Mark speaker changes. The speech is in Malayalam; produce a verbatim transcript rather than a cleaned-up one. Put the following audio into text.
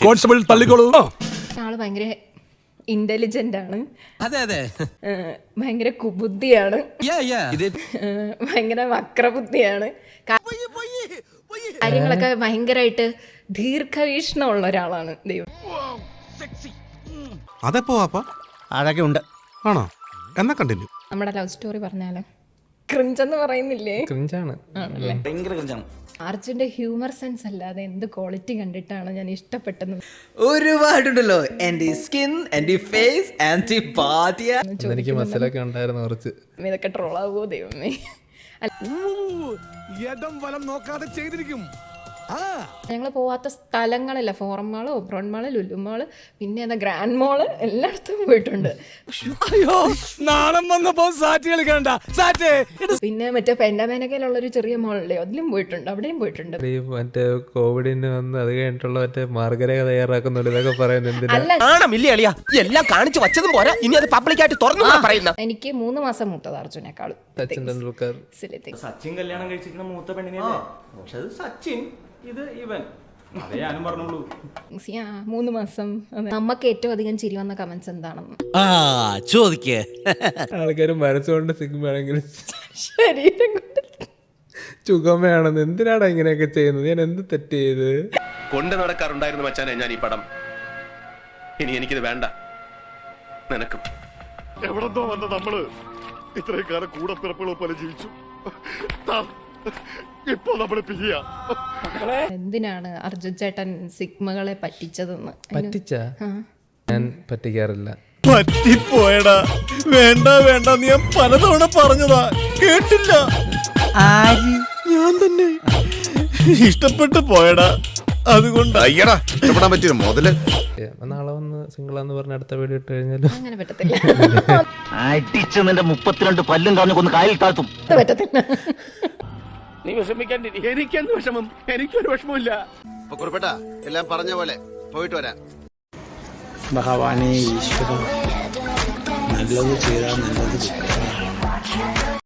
Speaker 1: കോൺസ്റ്റബിൾ തള്ളിക്കോളൂ.
Speaker 2: ആള് ഭയങ്കര ഇന്റലിജന്റ് ആണ്.
Speaker 3: അതെ അതെ
Speaker 2: ഭയങ്കര കുബുദ്ധിയാണ്. ഭയങ്കര വക്രബുദ്ധിയാണ്. കാര്യങ്ങളൊക്കെ ഭയങ്കരമായിട്ട് ദീർഘവീക്ഷണമുള്ള ഒരാളാണ് ദൈവം.
Speaker 1: അതെപ്പോ
Speaker 3: അതൊക്കെ ഉണ്ട്
Speaker 1: ആണോ? എന്നാ കണ്ടിന്യൂ.
Speaker 2: നമ്മുടെ ലവ് സ്റ്റോറി പറഞ്ഞാലോ? ക്രിഞ്ചെന്ന് പറയുന്നില്ലേ?
Speaker 4: ക്രിഞ്ചാണ്,
Speaker 3: ഭയങ്കര ക്രിഞ്ചാണ്.
Speaker 2: അർജുന്റെ ഹ്യൂമർ സെൻസ് അല്ലാതെ എന്ത് ക്വാളിറ്റി കണ്ടിട്ടാണ് ഞാൻ ഇഷ്ടപ്പെട്ടത്?
Speaker 3: ഒരുപാടുണ്ടല്ലോ. എന്റെ സ്കിൻ, എന്റെ ഫേസ്, എന്റെ ബോഡി.
Speaker 4: എനിക്ക് മസിലൊക്കെ ഉണ്ടായിരുന്നു കുറച്ച്.
Speaker 2: ഇതൊക്കെ ട്രോളാവോ ദൈവമേ?
Speaker 1: ഇടം വലം നോക്കാതെ ചെയ്തിരിക്കും.
Speaker 2: ഞങ്ങൾ പോവാത്ത സ്ഥലങ്ങളില്ല. Forum mall, Oberon mall, Lulu mall, പിന്നെ എന്താ ഗ്രാൻഡ് മോള്, എല്ലായിടത്തും പോയിട്ടുണ്ട്.
Speaker 1: അയ്യോ, നാണം വന്നപ്പോ സാറ്റ് കളിക്കണ്ട. സാറ്റ്
Speaker 2: പിന്നെ മറ്റേ പെൻഡാമേനക്കയിലുള്ള ഒരു ചെറിയ മോളില്ലേ, അതിലും പോയിട്ടുണ്ട്, അവിടെയും പോയിട്ടുണ്ട്.
Speaker 4: ഈ മറ്റേ കോവിഡിന് വന്ന് അത് കഴിഞ്ഞിട്ടുള്ള മറ്റേ മാർഗരേഖ തയ്യാറാക്കുന്നുണ്ട്, ഇതൊക്കെ പറയുന്നത്
Speaker 2: അല്ല,
Speaker 3: എല്ലാം കാണിച്ചു വച്ചതും പോരാ, ഇനി അത് പബ്ലിക്കായിട്ട് തുറന്നു പറയുന്ന.
Speaker 2: എനിക്ക് മൂന്ന് മാസം മൂത്തത് അർജുനേക്കാളും.
Speaker 4: സച്ചിൻ തെണ്ടുൽക്കർ.
Speaker 5: സച്ചിൻ കല്യാണം കഴിച്ചിരിക്കുന്ന മൂത്ത പെണ്ണിനല്ലേ? പക്ഷെ അത് സച്ചിൻ, ഇത് ഇവൻ. അതേ ഞാനും പറഞ്ഞോളൂ.
Speaker 2: മൂന്ന് മാസം. നമുക്ക് ഏറ്റവും അധികം ചിരി വന്ന കമന്റ്സ് എന്താണെന്ന്
Speaker 3: ചോദിക്കേ.
Speaker 4: ആൾക്കാർ മനസ്സുകൊണ്ട് സിഗ്മയാണെങ്കിൽ
Speaker 2: ശരീരം കൊണ്ട്
Speaker 4: ചുഗമയാണെന്ന്. എന്തിനാണ് ഇങ്ങനെയൊക്കെ ചെയ്യുന്നത്? ഞാൻ എന്ത് തെറ്റ് ചെയ്ത്
Speaker 6: കൊണ്ട് നടക്കാറുണ്ടായിരുന്നു മച്ചാനെ ഞാൻ ഈ പടം. ഇനി എനിക്കിത് വേണ്ട. നിനക്കും
Speaker 7: എവിടെന്തോ വന്ന നമ്മള് ഇത്രയും കാലം കൂടെ പിറപ്പുകളെ പോലെ ജീവിച്ചു. ഇപ്പൊ നമ്മള് പിരിയാ.
Speaker 2: എന്തിനാണ് അർജുൻ ചേട്ടൻ സിഗ്മകളെ പറ്റിച്ചതെന്ന്?
Speaker 4: പറ്റിച്ച ഞാൻ പറ്റിക്കാറില്ല.
Speaker 7: പറ്റിപ്പോയടാ. വേണ്ട വേണ്ട നീ ഞാൻ പലതവണ പറഞ്ഞതാ, കേട്ടില്ല. ഞാൻ തന്നെ ഇഷ്ടപ്പെട്ടു പോയടാ. അതുകൊണ്ട് അയ്യടാ ഇഷ്ടപ്പെടാൻ പറ്റിയ മുതല്.
Speaker 4: നാളെ വന്ന് സിംഗിളാന്ന് പറഞ്ഞ അടുത്ത വീഡിയോ ഇട്ട് കഴിഞ്ഞാലും
Speaker 2: അങ്ങനെ പറ്റത്തില്ല.
Speaker 8: അടിച്ച് നിന്റെ മുപ്പത്തിരണ്ട് പല്ലും കാഞ്ഞു കൊന്ന് കായൽ താഴ്ത്തും.
Speaker 2: പറ്റത്തില്ല.
Speaker 7: നീ വിഷമിക്കാൻ. എനിക്കെന്ത് വിഷമം? എനിക്കൊരു വിഷമമില്ല.
Speaker 9: കുറിപ്പേട്ടാ എല്ലാം പറഞ്ഞ പോലെ പോയിട്ട് വരാം.
Speaker 10: ഭഗവാനെ ഈശ്വരൻ നല്ലത് ചെയ്താൽ നല്ലത്